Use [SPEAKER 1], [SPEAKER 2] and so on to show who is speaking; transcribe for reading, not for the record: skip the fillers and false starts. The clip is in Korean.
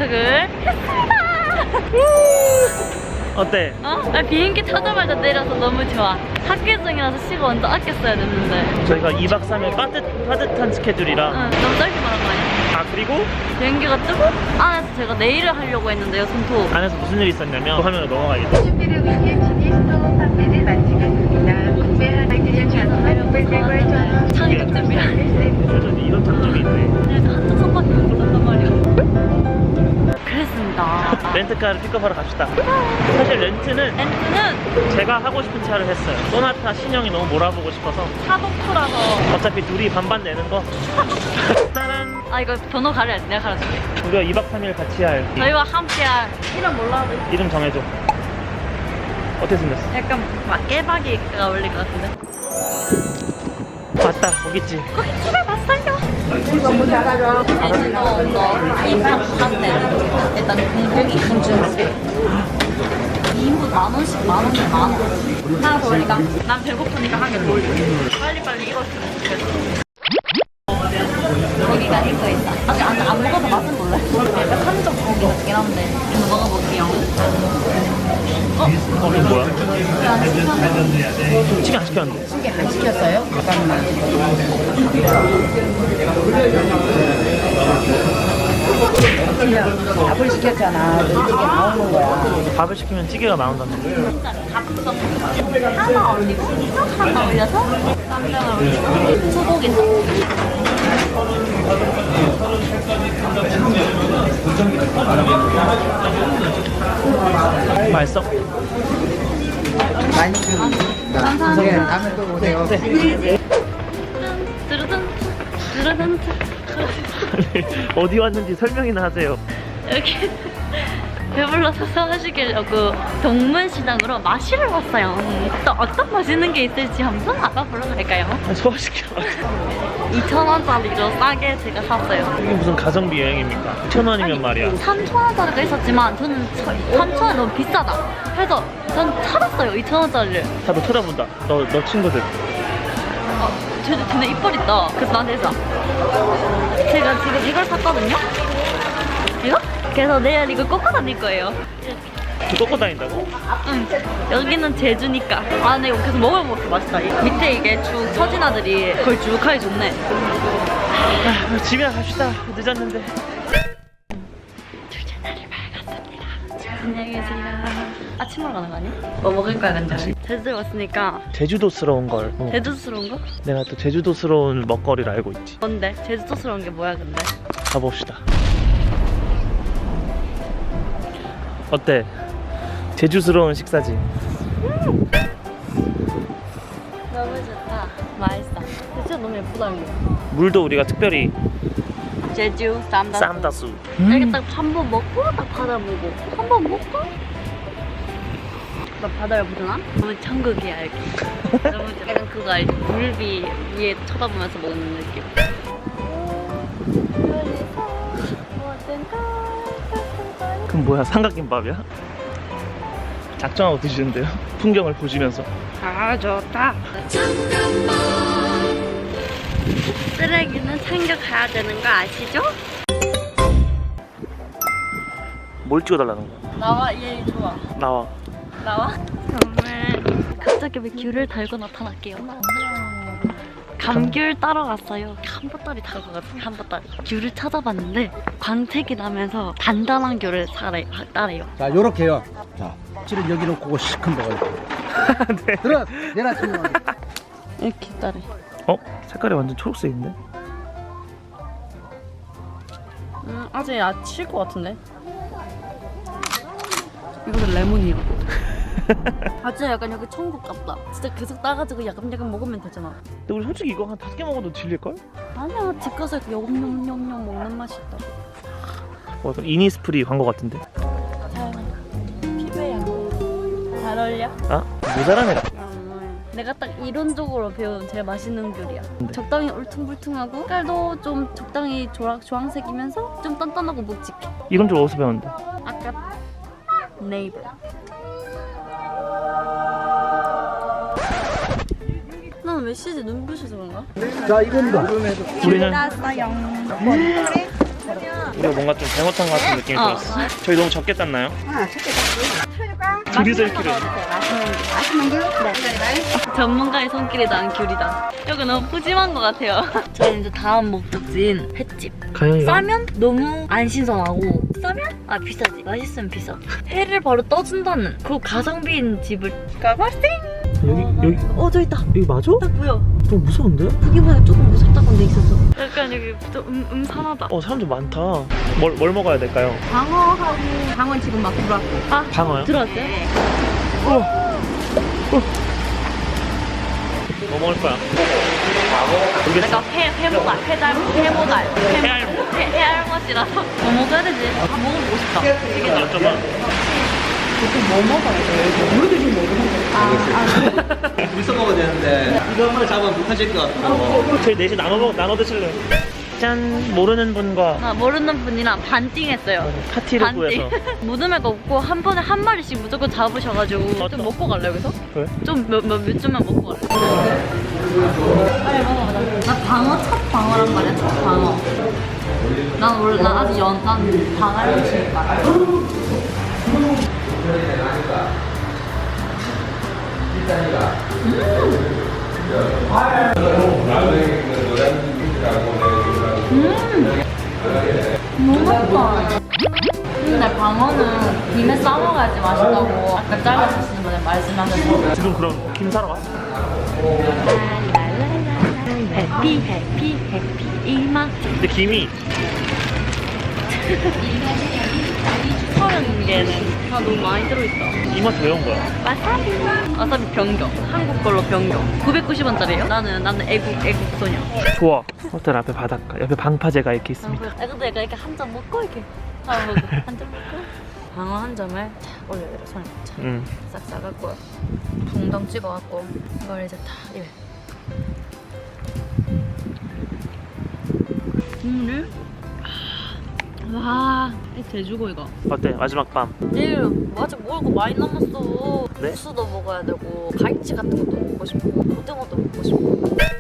[SPEAKER 1] 도착을 했습니다.
[SPEAKER 2] 어때?
[SPEAKER 1] 나 비행기 타자마자 내려서 너무 좋아. 학기 중이라서 시간 완전 아껴 써야 됐는데.
[SPEAKER 2] 저희가 2박 3일 빠듯한 스케줄이라.
[SPEAKER 1] 너무 짧게 말한 거 아니야?
[SPEAKER 2] 그리고
[SPEAKER 1] 비행기가 뜨고 안에서 제가 네일을 하려고 했는데요, 손톱.
[SPEAKER 2] 안에서 무슨 일이 있었냐면 그 화면으로 넘어가겠다.
[SPEAKER 3] 준비를 위해 진입도 판매를 마치겠습니다. 구매하기를 전화를
[SPEAKER 1] 창이 득점이야.
[SPEAKER 2] 요즘 이런 장점이 있네.
[SPEAKER 1] 그래서 한쪽 손밖에 못 들었단 말이야. 그랬습니다.
[SPEAKER 2] 렌트카를 픽업하러 갑시다. 사실 렌트는 제가 하고 싶은 차를 했어요. 소나타 신형이 너무 몰아보고 싶어서.
[SPEAKER 1] 차독투라서.
[SPEAKER 2] 어차피 둘이 반반 내는 거. 짜란.
[SPEAKER 1] 이거 번호 가려야지. 내가 가려줄게.
[SPEAKER 2] 우리가 2박 3일 같이 할
[SPEAKER 1] 저희와 함께할 이름 몰라도
[SPEAKER 2] 이름 정해줘. 어떻게 생겼어?
[SPEAKER 1] 약간 막 깨박이가 어울릴 것 같은데.
[SPEAKER 2] 맞다, 거기 있지.
[SPEAKER 1] 거기 집에 봤어요. 제주도 이 한때 일단 공복이 한줄 2인분 10,000원씩 10,000원에 10,000원. 하나 더 올리까? 난 배고프니까 한 개 더 올려. 빨리빨리 익었으면 좋겠어. 고기가 익어 있다. 아직 안 먹어서 맛은 몰라. 약간 한정 고기 같긴 한데 한번 먹어볼게요.
[SPEAKER 2] 이거 뭐야? 치킨 안 시켰는데.
[SPEAKER 4] 치킨 안 시켰어요? 잠깐만. 그냥 밥을 시켰잖아. 찌개 나오는 거야.
[SPEAKER 2] 밥을 시키면 찌개가 나온다는 거.
[SPEAKER 1] 하나 올리고 하나 올려서 쌈장을 올리고 소고기
[SPEAKER 2] 맛있어?
[SPEAKER 4] 많이 좀.
[SPEAKER 1] 감사합니다.
[SPEAKER 4] 다음에 또 오세요.
[SPEAKER 1] 뚜루둔 뚜루둔
[SPEAKER 2] 어디 왔는지 설명이나 하세요.
[SPEAKER 1] 여기 배불러서 사가시려고 동문시장으로 마시를 왔어요. 또 어떤 맛있는 게 있을지 한번 알아보러 갈까요?
[SPEAKER 2] 소화시켜.
[SPEAKER 1] 2,000원짜리로 싸게 제가 샀어요.
[SPEAKER 2] 이게 무슨 가성비 여행입니까? 1,000원이면 말이야.
[SPEAKER 1] 3,000원짜리가 있었지만 저는 3,000원 너무 비싸다. 그래서 전 찾았어요, 2,000원짜리를.
[SPEAKER 2] 다들 쳐다본다. 너 친구들.
[SPEAKER 1] 쟤네 이빨 있다. 그래서 나한테 했어. 제가 지금 이걸 샀거든요? 이거? 그래서 내일 이거 꽂고 다닐 거예요.
[SPEAKER 2] 꺾고 다닌다고?
[SPEAKER 1] 응. 여기는 제주니까. 근데 이거 계속 먹으면 먹게 맛있다. 밑에 이게 쭉 처진 아들이 거의 쭉 하기 좋네.
[SPEAKER 2] 집에 갑시다. 늦었는데.
[SPEAKER 1] 둘째 날이 밝았습니다. 안녕히 계세요. 아침 먹으러 가는 거 아니야? 뭐 먹을 거야, 근데? 제주에 왔으니까.
[SPEAKER 2] 제주도스러운 걸.
[SPEAKER 1] 제주스러운 거?
[SPEAKER 2] 내가 또 제주도스러운 먹거리를 알고 있지.
[SPEAKER 1] 뭔데? 제주도스러운 게 뭐야, 근데?
[SPEAKER 2] 가봅시다. 어때? 제주스러운 식사지.
[SPEAKER 1] 너무 좋다. 맛있어. 진짜 너무 예쁘다, 이거.
[SPEAKER 2] 물도 우리가 특별히
[SPEAKER 1] 제주 쌈다수.
[SPEAKER 2] 쌈다수.
[SPEAKER 1] 이렇게 딱 한 번 먹고 딱 바다 보고 한 번 먹고 나 바다를 보잖아? 너무 천국이야 여기. 너무 좋아. 약간 그거 알지? 물비 위에 쳐다보면서 먹는 느낌.
[SPEAKER 2] 그럼 뭐야? 삼각김밥이야? 작정하고 드시는데요? 풍경을 보시면서.
[SPEAKER 1] 아 좋다. 쓰레기는 챙겨가야 되는 거 아시죠?
[SPEAKER 2] 뭘 찍어달라는 거야?
[SPEAKER 1] 나와 얘 좋아.
[SPEAKER 2] 나와.
[SPEAKER 1] 나와? 정말 갑자기 왜 귤을 달고 나타날게요. 감귤 따러 갔어요. 한보따리 타고 갔어요. 한보따리. 귤을 찾아봤는데 광택이 나면서 단단한 귤을 따래요.
[SPEAKER 4] 자, 요렇게요. 자, 찌를 여기 놓고 시큰 먹어요.
[SPEAKER 2] 네.
[SPEAKER 4] 들어, 내놔 치면.
[SPEAKER 1] 이렇게 따래.
[SPEAKER 2] 색깔이 완전 초록색인데?
[SPEAKER 1] 아직 칠 것 같은데. 이거는 레몬이야. 아주 약간 여기 천국 같다. 진짜 계속 따가지고 야금야금 먹으면 되잖아.
[SPEAKER 2] 근데 우리 솔직히 이거 한 5개 먹어도 질릴걸?
[SPEAKER 1] 아니야, 집 가서 이렇게 영영영영 먹는 맛이 있다.
[SPEAKER 2] 약간 이니스프리 광고 같은데?
[SPEAKER 1] 피부에 잘 어울려?
[SPEAKER 2] 모자라네.
[SPEAKER 1] 내가 딱 이론적으로 배운 제일 맛있는 귤이야. 적당히 울퉁불퉁하고 색깔도 좀 적당히 주황색이면서 좀 단단하고 묵직해.
[SPEAKER 2] 이건 좀 어디서 배웠는데?
[SPEAKER 1] 아까 네이버. 난 왜 시지 눈부셔서 그런가?
[SPEAKER 4] 자, 이겁니다.
[SPEAKER 2] 우리는 우리가 뭔가 좀 잘못한 것 같은 느낌이 들었어. 저희 너무 적게 땄나요? 둘이서 1kg.
[SPEAKER 1] 전문가의 손길이다, 귤이다. 여기 너무 푸짐한 것 같아요. 저희 이제 다음 목적지인 횟집.
[SPEAKER 2] 가영이가
[SPEAKER 1] 싸면 너무 안 신선하고 싸면 아 비싸지. 맛있으면 비싸. 회를 바로 떠준다는 그 가성비인 집을 가봤어.
[SPEAKER 2] 여기
[SPEAKER 1] 저 있다.
[SPEAKER 2] 여기 맞아?
[SPEAKER 1] 딱 보여.
[SPEAKER 2] 좀 무서운데?
[SPEAKER 1] 여기보다 조금 무섭다고 데 있었어. 약간 여기 좀 음산하다.
[SPEAKER 2] 사람들 많다. 뭘 먹어야 될까요?
[SPEAKER 1] 방어하고 방어 지금 막 들어왔고. 아
[SPEAKER 2] 방어요?
[SPEAKER 1] 들어왔어요?
[SPEAKER 2] 뭐 먹을 거야?
[SPEAKER 1] 내가 회모갈, 회모갈,
[SPEAKER 2] 해알못.
[SPEAKER 1] 해알못이라서 뭐 먹어야 되지? 다 먹어보고 싶다.
[SPEAKER 2] 여쭤봐.
[SPEAKER 5] 물써 먹어야 되는데 이거 한 번에 잡으면 못하실 것 같고.
[SPEAKER 2] 저희 넷이 나눠 드실래요? 짠! 모르는 분과
[SPEAKER 1] 나 모르는 분이랑 반띵했어요.
[SPEAKER 2] 파티를 구해서.
[SPEAKER 1] 무덤에가 없고 한 번에 한 마리씩 무조건 잡으셔가지고 좀 먹고 갈래 여기서?
[SPEAKER 2] 그래?
[SPEAKER 1] 좀 몇 점만 먹고 갈래? 빨리 먹어보자. 나 방어 첫 방어란 말이야 첫 방어. 난 원래 난 아직 난 방어를 너무 맛있다. 근데 방어는 김에 싸먹어야지 맛있다고 아까 잘라주시는 분이 말씀하셔서
[SPEAKER 2] 지금 그럼 김 사러 왔어?
[SPEAKER 1] 해피 해피 해피 이맛
[SPEAKER 2] 근데 김이
[SPEAKER 1] 30개는 다 너무 많이 들어있다.
[SPEAKER 2] 이맛 왜 온 거야?
[SPEAKER 1] 와사비 변경 한국 걸로 변경 990원짜리예요. 나는 애국 소녀.
[SPEAKER 2] 좋아. 호텔 앞에 바닷가, 옆에 방파제가 이렇게 있습니다.
[SPEAKER 1] 근데 내가 이렇게 한 잔 먹고 이렇게 한 잔 먹고 방어 한 점을 탁 올려요 손에 싹 싸갖고 붕덩 찍어갖고 이걸 이제 다 입에 국물 와 이 돼지고 이거
[SPEAKER 2] 어때? 마지막 밤.
[SPEAKER 1] 내일 아직 먹을 거 많이 남았어.
[SPEAKER 2] 네?
[SPEAKER 1] 국수도 먹어야 되고 갈치 같은 것도 먹고 싶고 고등어도 먹고 싶고